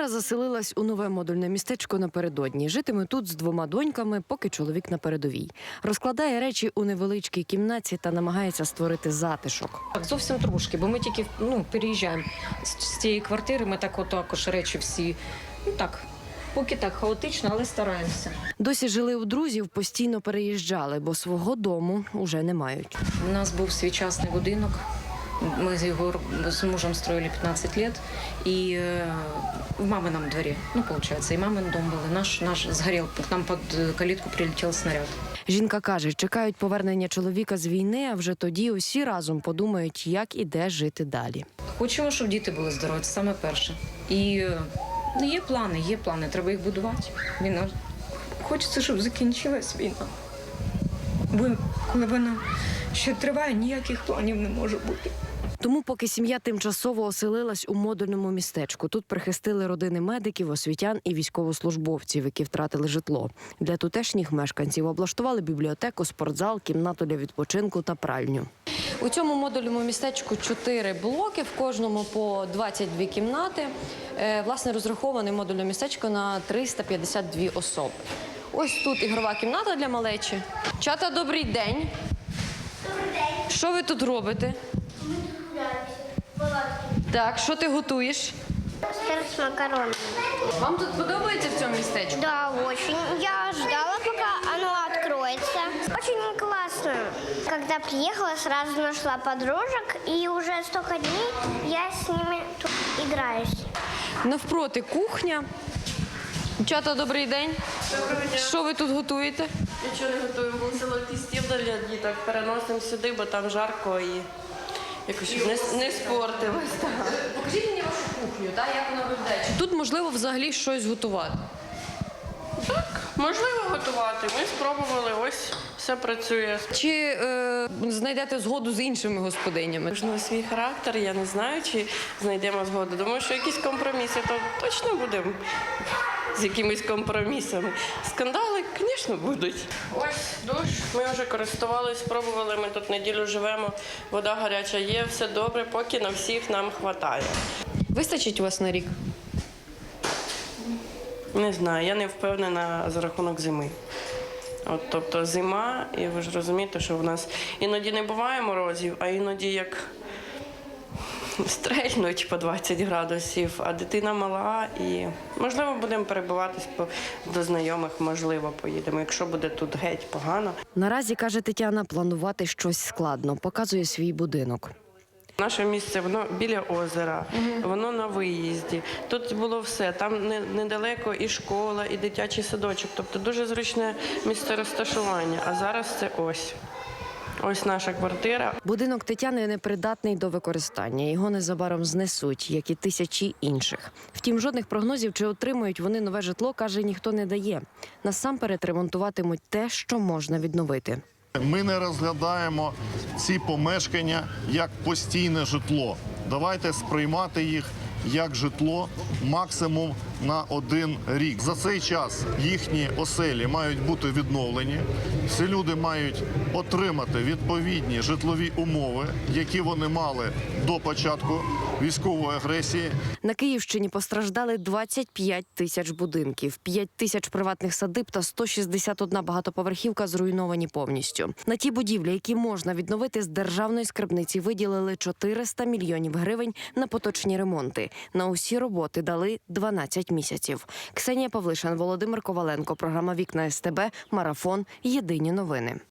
Заселилась у нове модульне містечко напередодні. Житиме тут з 2 доньками, поки чоловік на передовій. Розкладає речі у невеличкій кімнаті та намагається створити затишок. Так, зовсім трошки, бо ми тільки переїжджаємо з цієї квартири, ми так також речі всі, поки так хаотично, але стараємося. Досі жили у друзів, постійно переїжджали, бо свого дому уже не мають. У нас був свій частний будинок, ми його з мужем строїли 15 років, і в маминому дворі, виходить, і мамин дом був, наш згорів, к нам під калітку прилетів снаряд. Жінка каже, чекають повернення чоловіка з війни, а вже тоді усі разом подумають, як і де жити далі. Хочемо, щоб діти були здорові, це саме перше. І є плани, треба їх будувати. Війна. Хочеться, щоб закінчилась війна. Бо коли вона ще триває, ніяких планів не може бути. Тому поки сім'я тимчасово оселилась у модульному містечку, тут прихистили родини медиків, освітян і військовослужбовців, які втратили житло. Для тутешніх мешканців облаштували бібліотеку, спортзал, кімнату для відпочинку та пральню. У цьому модульному містечку 4 блоки, в кожному по 22 кімнати. Власне, розраховане модульне містечко на 352 особи. Ось тут ігрова кімната для малечі. Чата, добрий день. Добрий день. Що ви тут робите? Ми тут гуляємося. Так, що ти готуєш? Сыр с макаронами. Вам тут подобається в цьому містечку? Да, очень. Я ждала, пока оно откроется. Очень классно. Когда приехала, сразу нашла подружек, и уже столько дней я с ними тут играюсь. Навпроти кухня. Дівчата, добрий день. Доброго дня. Що ви тут готуєте? Нічого не готуємо, був золотий стіл для діток. Переносимо сюди, бо там жарко і якось щоб не спортилось. Покажіть мені вашу кухню, як вона виглядає. Чи тут можливо взагалі щось готувати? Так, можливо готувати. Ми спробували, ось все працює. Чи знайдете згоду з іншими господинями? Кожного свій характер, я не знаю, чи знайдемо згоду. Думаю, що якісь компроміси, то точно будемо з якимись компромісами. Скандали, звісно, будуть. Ось душ, ми вже користувалися, спробували, ми тут неділю живемо, вода гаряча є, все добре, поки на всіх нам вистачає. Вистачить у вас на рік? Не знаю, я не впевнена за рахунок зими. Тобто зима, і ви ж розумієте, що в нас іноді не буває морозів, а іноді як стрельнуть по 20 градусів, а дитина мала, і можливо будемо перебуватись до знайомих, можливо поїдемо, якщо буде тут геть погано. Наразі, каже Тетяна, планувати щось складно. Показує свій будинок. Наше місце, воно біля озера, воно на виїзді. Тут було все, там недалеко і школа, і дитячий садочок. Тобто дуже зручне місце розташування. А зараз це ось. Ось наша квартира. Будинок Тетяни непридатний до використання. Його незабаром знесуть, як і тисячі інших. Втім, жодних прогнозів, чи отримують вони нове житло, каже, ніхто не дає. Насамперед ремонтуватимуть те, що можна відновити. Ми не розглядаємо ці помешкання як постійне житло. Давайте сприймати їх як житло максимум на 1 рік. За цей час їхні оселі мають бути відновлені. Всі люди мають отримати відповідні житлові умови, які вони мали до початку військової агресії. На Київщині постраждали 25 тисяч будинків, 5 тисяч приватних садиб та 161 багатоповерхівка зруйновані повністю. На ті будівлі, які можна відновити, з державної скарбниці виділили 400 мільйонів гривень на поточні ремонти. На усі роботи дали 12 місяців. Ксенія Павлишин, Володимир Коваленко. Програма «Вікна СТБ». Марафон. Єдині новини.